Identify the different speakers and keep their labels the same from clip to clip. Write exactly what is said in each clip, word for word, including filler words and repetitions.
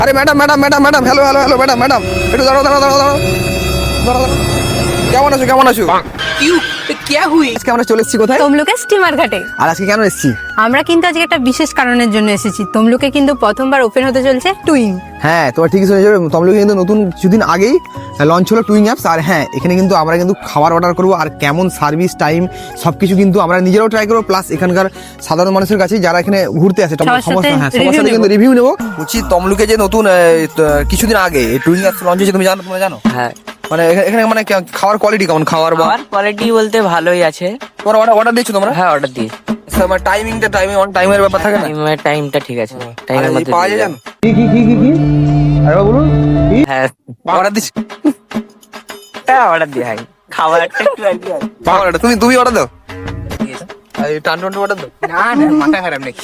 Speaker 1: अरे madam madam madam madam hello hello hello madam madam একটু দাঁড়াও দাঁড়াও দাঁড়াও দাঁড়াও দাঁড়াও দাঁড়াও। কেমন আছো কেমন আছো?
Speaker 2: क्यों क्या हुई?
Speaker 1: আজকে আমরা চলে এসেছি কোথায়?
Speaker 3: তমলুকে স্টিমার ঘাটে।
Speaker 1: আর আজকে কেন এসেছি?
Speaker 3: আমরা কিন্তু আজকে একটা বিশেষ কারণের জন্য এসেছি। তমলুকে কিন্তু প্রথমবার ওপেন হতে চলছে টুইং।
Speaker 1: হ্যাঁ তোমার ঠিকই শুনেছো, তমলুকে কিন্তু নতুন কিছুদিন আগেই লঞ্চ হলো টুইং অ্যাপস। আর হ্যাঁ এখানে কিন্তু আমরা কিন্তু খাবার অর্ডার করবো, আর কেমন সার্ভিস টাইম সব কিছু কিন্তু আমরা নিজেরাও ট্রাই করবো, প্লাস এখানকার সাধারণ মানুষের কাছে যারা এখানে ঘুরতে আসে
Speaker 3: সবার
Speaker 1: সমস্ত
Speaker 3: সাথে
Speaker 1: হ্যাঁ সবার
Speaker 3: review
Speaker 1: সাথে
Speaker 3: নেবো।
Speaker 1: কিন্তু রিভিউ নেবো। বলছি তমলুকে যে নতুন আহ, ত- কিছুদিন আগে টুইং অ্যাপস লঞ্চ হয়েছে, তুমি জানো তোমরা জানো?
Speaker 2: হ্যাঁ,
Speaker 1: মানে এখানে এখানে মানে কে- খাওয়ার কোয়ালিটি কেমন? খাওয়ার বা
Speaker 2: খাবার কোয়ালিটি বলতে ভালোই আছে।
Speaker 1: তোমরা অর্ডার অর্ডার দিয়েছো তোমরা?
Speaker 2: হ্যাঁ, অর্ডার দিয়ে
Speaker 1: মানে টাইমিংটা টাইমিং অন টাইমের ব্যাপার থাকে না?
Speaker 2: টাইমের টাইমটা ঠিক আছে,
Speaker 1: আর
Speaker 2: টাইমের
Speaker 1: এই
Speaker 2: মধ্যে
Speaker 1: পাওয়া
Speaker 2: দিয়ে
Speaker 1: যায়
Speaker 2: যাবে।
Speaker 1: জানো? কি কি কি কি কি আরে বলুন
Speaker 2: হ্যাঁ,
Speaker 1: অর্ডার দিচ্ছি।
Speaker 2: হ্যাঁ অর্ডার দিয়ে হয় খাবারটা একটু আর কি হয়।
Speaker 1: পাওয়ার order, তুমি তুমি অর্ডার দাও। এই টান টান অর্ডার দাও।
Speaker 2: না না মাথা খারাপ নাকি?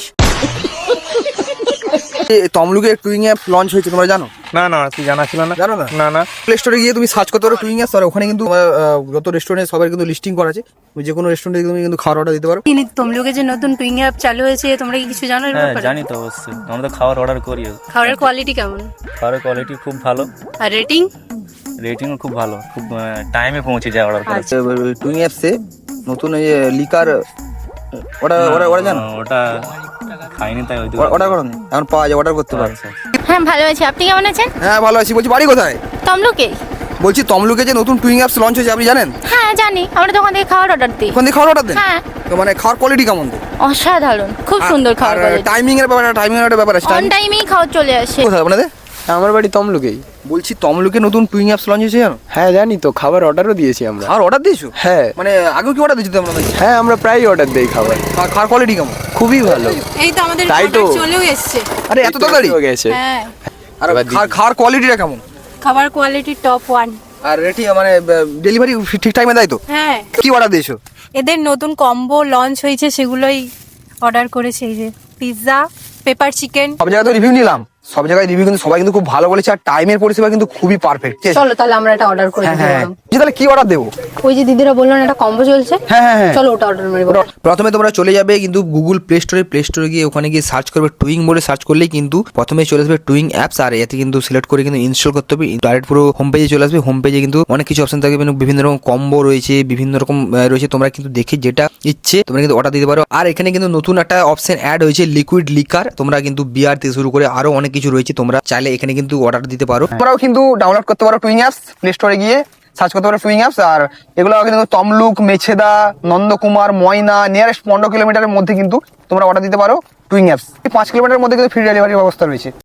Speaker 1: এই তমলুকে টুইং অ্যাপ লঞ্চ হয়েছে, তোমরা জানো?
Speaker 4: না না তুই জানা ছিল না।
Speaker 1: জানো না?
Speaker 4: না না
Speaker 1: প্লে স্টোরে গিয়ে তুমি সার্চ করতে পারো টুইং অ্যাপস, আর ওখানে কিন্তু আহ, যত রেস্টুরেন্টে সবার কিন্তু লিস্টিং করা আছে। তুমি যে কোনো রেস্টুরেন্টে তুমি কিন্তু খাওয়ার অর্ডার দিতে পারো।
Speaker 3: তিনি তমলুকে যে নতুন টুইং অ্যাপ চালু হয়েছে, তোমরা কি কিছু জানো এর
Speaker 5: হ্যাঁ
Speaker 3: ব্যাপারে?
Speaker 5: জানি তো অবশ্যই, আমরা তো খাবার অর্ডার করি।
Speaker 3: খাবারের কোয়ালিটি কেমন
Speaker 5: খাবারের কোয়ালিটি খুব ভালো,
Speaker 3: আর রেটিং?
Speaker 5: রেটিংও খুব ভালো, খুব টাইমে পৌঁছে যায় অর্ডার করে।
Speaker 1: টুইং অ্যাপসে নতুন এই লিকার ওটা ওটা ওটা জানো?
Speaker 5: আহ, ওটা খাইনি তাই ওই
Speaker 1: অর্ডার করো না, এখন পাওয়া যায়, অর্ডার করতে পারো।
Speaker 5: আচ্ছা
Speaker 6: হ্যাঁ ভালো আছি, আপনি কেমন আছেন?
Speaker 1: হ্যাঁ ভালো আছি। বলছি বাড়ি কোথায়?
Speaker 6: তমলুকে?
Speaker 1: বলছি তমলুকে যে নতুন টুইং অ্যাপস লঞ্চ হয়েছে আপনি জানেন?
Speaker 6: হ্যাঁ জানি, আমরা তো ওখান থেকে খাবার অর্ডার দিই।
Speaker 1: ওখান থেকে খাওয়ার অর্ডার দেন?
Speaker 6: হ্যাঁ।
Speaker 1: তো মানে খাওয়ার কোয়ালিটি কেমন?
Speaker 6: অসাধারণ, খুব সুন্দর খাবার কোয়ালিটি।
Speaker 1: টাইমিং এর ব্যাপার টাইমিং এর একটা ব্যাপার আছে।
Speaker 6: অন
Speaker 1: Timing-
Speaker 6: টাইমেই খাবার চলে আসে।
Speaker 1: কোথায় আপনাদের?
Speaker 7: আমার বাড়ি তমলুকেই।
Speaker 1: বলছি তমলুকে নতুন টুইং অ্যাপস লঞ্চ হয়েছে জানো?
Speaker 7: হ্যাঁ জানি তো, খাবার অর্ডারও দিয়েছি আমরা।
Speaker 1: খাওয়ার অর্ডার দিয়েছো?
Speaker 7: হ্যাঁ
Speaker 1: মানে আগেও কি অর্ডার দিয়েছো তোমরা?
Speaker 7: হ্যাঁ আমরা প্রায়ই অর্ডার দেই খাবার,
Speaker 1: খাওয়ার- খাওয়ার কোয়ালিটি কেমন?
Speaker 7: খুবই ভালো।
Speaker 3: এই তো আমাদের
Speaker 7: তাই তো।
Speaker 3: order চলেও এসেছে।
Speaker 1: আরে এত তাড়াতাড়ি?
Speaker 7: হয়ে গেছে।
Speaker 3: হ্যাঁ,
Speaker 1: আর
Speaker 7: এবার
Speaker 1: খাওয়ার- খাওয়ার কোয়ালিটিটা কেমন?
Speaker 3: খাবার কোয়ালিটি টপ ওয়ান।
Speaker 1: আর রেটি মানে ডেলিভারি ঠিক টাইমে দেয় তো?
Speaker 3: হ্যাঁ,
Speaker 1: কি অর্ডার দিয়েছো?
Speaker 3: এদের নতুন কম্বো লঞ্চ হয়েছে, সেগুলোই অর্ডার করেছে। এই যে পিৎজা, পেপার চিকেন।
Speaker 1: সব জায়গায় তো রিভিউ নিলাম, সব জায়গায় রিভিউ কিন্তু সবাই কিন্তু খুব ভালো বলেছে, আর টাইমের পরিষেবা কিন্তু খুবই পারফেক্ট।
Speaker 3: চলো তাহলে আমরা এটা অর্ডার করে
Speaker 1: হ্যাঁ
Speaker 3: দিতে
Speaker 1: হ্যাঁ
Speaker 3: পারলাম।
Speaker 1: জি, তাহলে কি অর্ডার দেবো?
Speaker 3: ওই যে দিদিরা বললো না একটা কম্বো চলছে,
Speaker 1: হ্যাঁ হ্যাঁ হ্যাঁ
Speaker 3: চলো ওটা অর্ডার মারবো।
Speaker 1: প্রথমে তোমরা চলে যাবে কিন্তু গুগল প্লে স্টোরে, প্লে স্টোরে গিয়ে ওখানে গিয়ে সার্চ করবে টুইং বলে, সার্চ করলেই কিন্তু প্রথমে চলে আসবে টুইং অ্যাপস। আর এতে কিন্তু সিলেক্ট করে কিন্তু ইনস্টল করতে হবে, ডাইরেক্ট পুরো হোম পেজে চলে আসবে। হোম পেজে কিন্তু অনেক কিছু অপশন থাকবে, মানে বিভিন্ন রকম কম্বো রয়েছে, বিভিন্ন রকম আহ, রয়েছে। তোমরা কিন্তু দেখে যেটা ইচ্ছে তোমরা কিন্তু অর্ডার দিতে পারো। আর এখানে কিন্তু নতুন একটা অপশন অ্যাড হয়েছে লিকুইড লিকার। তোমরা কিন্তু বিয়ার থেকে শুরু করে আরো অনেক কিছু রয়েছে, তোমরা চাইলে এখানে কিন্তু অর্ডার দিতে পারো। তোমরাও কিন্তু ডাউনলোড করতে পারো টুইং অ্যাপস, প্লে স্টোরে গিয়ে সার্চ করতে পারো টুইং অ্যাপস। আর এগুলো কিন্তু তমলুক, মেছেদা, নন্দকুমার, ময়না নিয়ারেস্ট পনেরো কিলোমিটারের মধ্যে কিন্তু তোমরা অর্ডার দিতে পারো টুইং অ্যাপস। পাঁচ কিলোমিটারের মধ্যে কিন্তু ফ্রি ডেলিভারির ব্যবস্থা রয়েছে।